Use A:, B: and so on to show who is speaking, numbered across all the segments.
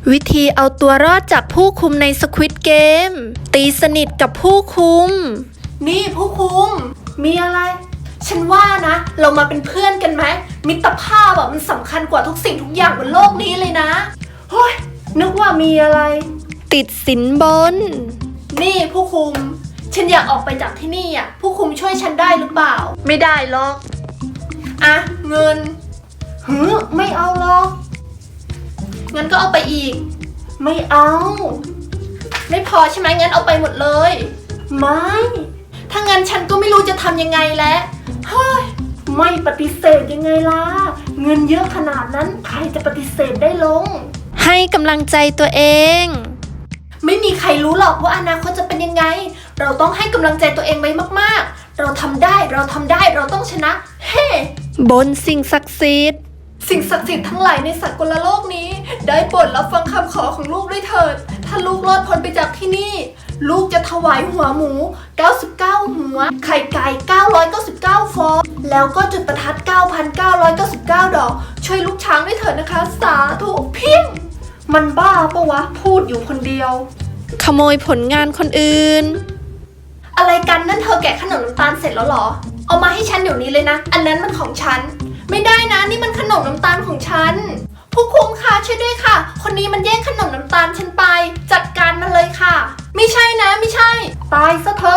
A: วิธีเอาตัวรอดจากผู้คุมใน Squid Game ตีสนิทกับผู้คุม
B: นี่ผู้คุมมีอะไรฉันว่านะเรามาเป็นเพื่อนกันไหมมิตรภาพมันสำคัญกว่าทุกสิ่งทุกอย่างบนโลกนี้เลยนะเฮ้ยนึกว่ามีอะไร
A: ติดสินบน
B: นี่ผู้คุมฉันอยากออกไปจากที่นี่ผู้คุมช่วยฉันได้หรือเปล่า
A: ไม่ได้หรอก
B: เงินไม่เอาหรอกงั้นก็เอาไปอีกไม่เอาไม่พอใช่ไหมงั้นเอาไปหมดเลยไม่ถ้างั้นฉันก็ไม่รู้จะทำยังไงแล้วเฮ้ยไม่ปฏิเสธยังไงล่ะเงินเยอะขนาดนั้นใครจะปฏิเสธได้ลง
A: ให้กำลังใจตัวเอง
B: ไม่มีใครรู้หรอกว่าอนาคตจะเป็นยังไงเราต้องให้กำลังใจตัวเองไว้มากๆเราทำได้เราต้องชนะเฮ้
A: บนสิ่งศักดิ์สิทธิ์
B: ทั้งหลายในสากลโลกนี้ได้โปรดรับฟังคำขอของลูกด้วยเถิดถ้าลูกรอดพ้นไปจากที่นี่ลูกจะถวายหัวหมู99หัวไข่ไก่999ฟองแล้วก็จุดประทัด 9,999 ดอกช่วยลูกช้างด้วยเถิดนะคะสาธุเพียงมันบ้าปะวะพูดอยู่คนเดียว
A: ขโมยผลงานคนอื่น
B: อะไรกันนั่นเธอแกะขนมน้ำตาลเสร็จแล้วหรอเอามาให้ฉันเดี๋ยวนี้เลยนะอันนั้นมันของฉันไม่ได้นะนี่มันขนมน้ำตาลของฉันผู้คุมค่ะช่วยด้วยค่ะคนนี้มันแย่งขนมน้ำตาลฉันไปจัดการมันเลยค่ะไม่ใช่นะไม่ใช่ตายซะเถอะ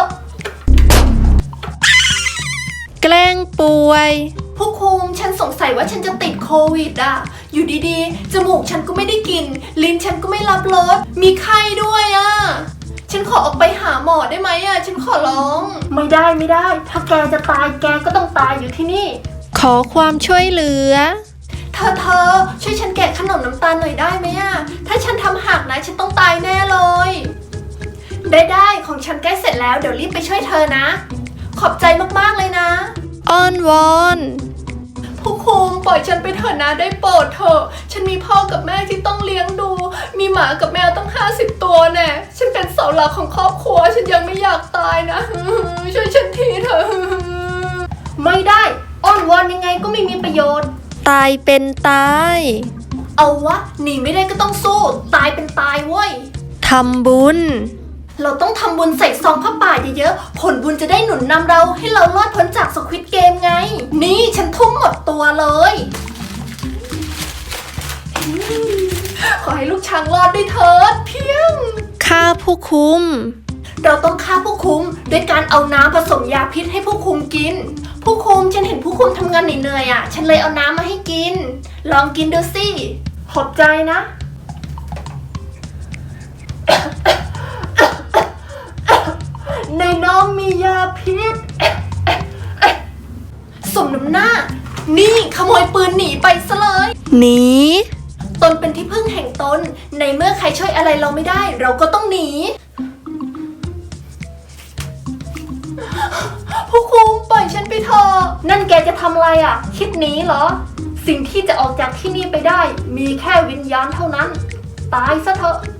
A: แกล้งป่วย
B: ผู้คุมฉันสงสัยว่าฉันจะติดโควิดอยู่ดีๆจมูกฉันก็ไม่ได้กลิ่นลิ้นฉันก็ไม่รับรสมีไข้ด้วยฉันขอออกไปหาหมอได้ไหมฉันขอร้องไม่ได้ถ้าแกจะตายแกก็ต้องตายอยู่ที่นี่
A: ขอความช่วยเหลือ
B: เธอช่วยฉันแกะขนมน้ำตาลหน่อยได้ไหมถ้าฉันทำหักนะฉันต้องตายแน่เลยได้ของฉันใกล้เสร็จแล้วเดี๋ยวรีบไปช่วยเธอนะขอบใจมากๆเลยนะ
A: อ้อนวอน
B: ผู้คุมปล่อยฉันไปเถอะนะได้โปรดเถอะฉันมีพ่อกับแม่ที่ต้องเลี้ยงดูมีหมากับแมวตั้ง50ตัวแน่ฉันเป็นเสาหลักของครอบครัวฉันยังไม่อยากตายนะช่วยฉันทีเถอะไม่ได้อ้อนวอนยังไงก็ไม่มีประโยชน์
A: ตายเป็นตาย
B: เอาวะหนีไม่ได้ก็ต้องสู้ตายเป็นตายเว้ย
A: ทำบุญ
B: เราต้องทำบุญใส่ซองผ้าป่าเยอะๆผลบุญจะได้หนุนนำเราให้เรารอดพ้นจากสควิดเกมไงนี่ฉันทุ่มหมดตัวเลยขอให้ลูกช้างรอดด้วยเถิดเพียง
A: ฆ่าผู้คุม
B: เราต้องฆ่าผู้คุมด้วยการเอาน้ำผสมยาพิษให้ผู้คุมกินผู้คุมฉันเห็นผู้คุมทำงานเหนื่อยฉันเลยเอาน้ำมาให้กินลองกินดูสิขอบใจนะในน้ำมียาพิษสมน้ำหน้านี่ขโมยปืนหนีไปซะเลย
A: หนี
B: ตนเป็นที่พึ่งแห่งตนในเมื่อใครช่วยอะไรเราไม่ได้เราก็ต้องหนีผู้คุมปล่อยฉันไปเถอะนั่นแกจะทำอะไรคิดหนีเหรอสิ่งที่จะออกจากที่นี่ไปได้มีแค่วิญญาณเท่านั้นตายซะเถอะ